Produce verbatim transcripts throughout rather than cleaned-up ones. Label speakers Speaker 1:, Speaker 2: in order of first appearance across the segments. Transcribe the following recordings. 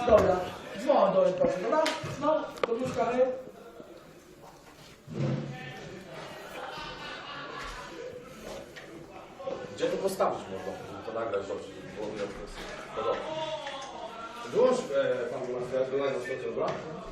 Speaker 1: Dobra, dzwoń do mnie proszę, dobra? No, do biurka, hej.
Speaker 2: Gdzie to postawić można? Żeby to nagrać dobrze, żeby było widać. No dobra. Wyłącz e, pan Marcel, wyłącz na stronę, dobra?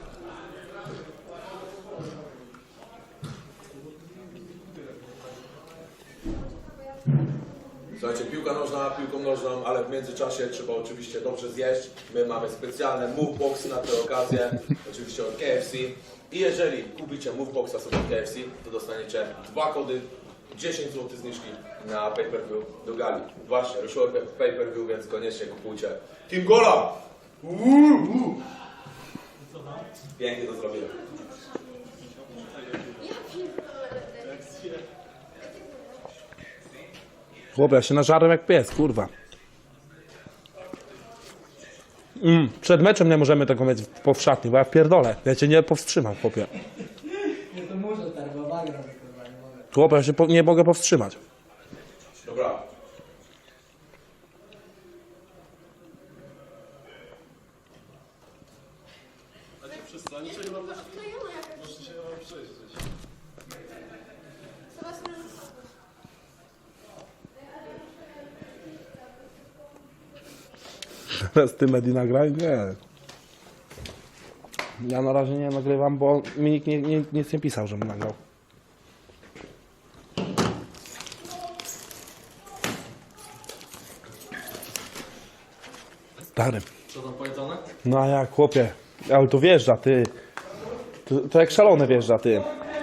Speaker 2: Słuchajcie, piłka nożna, piłką nożną, ale w międzyczasie trzeba oczywiście dobrze zjeść. My mamy specjalne move boxy na tę okazję, oczywiście od K F C. I jeżeli kupicie move boxa sobie od K F C, to dostaniecie dwa kody, dziesięć złotych zniżki na pay-per-view do gali. Właśnie, ruszyło pay-per-view, więc koniecznie kupujcie. Team Gola! Uuu! Pięknie to zrobiłem.
Speaker 3: Chłopie, ja się nażarłem jak pies, kurwa. Mm, przed meczem nie możemy tego mieć w, w szatni, bo ja pierdolę. Ja cię nie powstrzymam, chłopie.
Speaker 1: Nie, to muszę tak, bo wagram, kurwa, nie mogę.
Speaker 3: Chłopie, ja się po, nie mogę powstrzymać.
Speaker 2: Dobra.
Speaker 3: Teraz ty Medi nagraj? Nie. Ja na razie nie nagrywam, bo mi nikt nie, nie, nic nie pisał, żebym nagrał. Stary.
Speaker 2: Co tam powiedzone?
Speaker 3: No a jak, chłopie? Ale to wjeżdża, ty. To, to jak szalone wjeżdża, ty.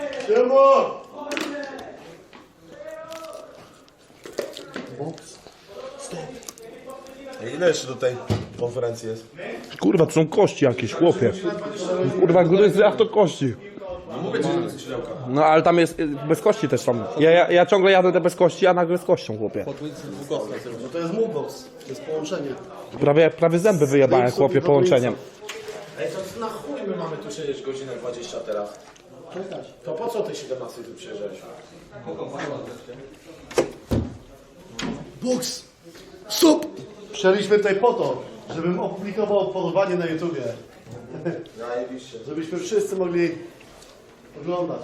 Speaker 2: Ile jeszcze do tej konferencji jest?
Speaker 3: Kurwa, to są kości jakieś, chłopie. Kurwa, gryzy, a to kości.
Speaker 2: No mówię ci, że to jest skrzydełka.
Speaker 3: No ale tam jest, y, bez kości też są. Ja, ja, ja ciągle jadę te bez kości, a nagle z kością, chłopie.
Speaker 4: No to jest movebox, to jest połączenie.
Speaker 3: Prawie, prawie zęby wyjebałem, chłopie, połączeniem.
Speaker 2: Ej, to na chuj my mamy tu siedzieć godzinę dwadzieścia teraz? To po co ty siedemnastej tu przyjeżdżałeś?
Speaker 4: Box! Stop! Przyszliśmy tutaj po to, żebym opublikował porwanie na YouTubie.
Speaker 2: Zajebiście.
Speaker 4: Żebyśmy wszyscy mogli oglądać.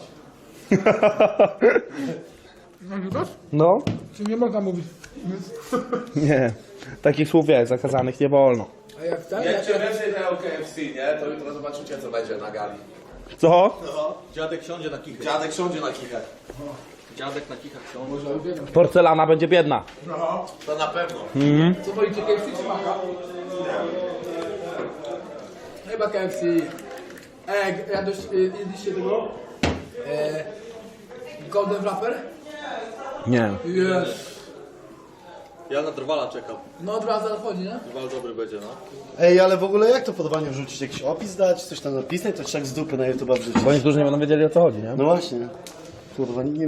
Speaker 1: Nagrywasz?
Speaker 3: No?
Speaker 1: Czy nie można mówić?
Speaker 3: Nie. Takich słów jest, zakazanych nie wolno.
Speaker 1: A jak tak?
Speaker 2: Jedźcie więcej tego K F C, nie? To jutro zobaczycie, co będzie na gali.
Speaker 3: Co?
Speaker 5: Dziadek siądzie na kichę.
Speaker 2: Dziadek siądzie na kichach.
Speaker 5: Dziadek na kichach siądzie.
Speaker 1: Może uwielbiam.
Speaker 3: Porcelana będzie biedna.
Speaker 2: No, to na pewno.
Speaker 1: Co wolicie, K F C czy Maka? Chyba K F C. Ej, jadłeś, y, jedliście tego? E, Golden Wrapper?
Speaker 3: Nie.
Speaker 1: Jest.
Speaker 5: Ja na drwala czekam.
Speaker 1: No od razu wchodzi, nie?
Speaker 5: Drwal dobry będzie, no.
Speaker 4: Ej, ale w ogóle jak to porwanie wrzucić? Jakiś opis dać? Coś tam napisać? To trzeba z dupy na YouTube wrzucić.
Speaker 3: Bo niektórzy nie będą wiedzieli, o co chodzi, nie?
Speaker 4: No właśnie. Kurwa, nie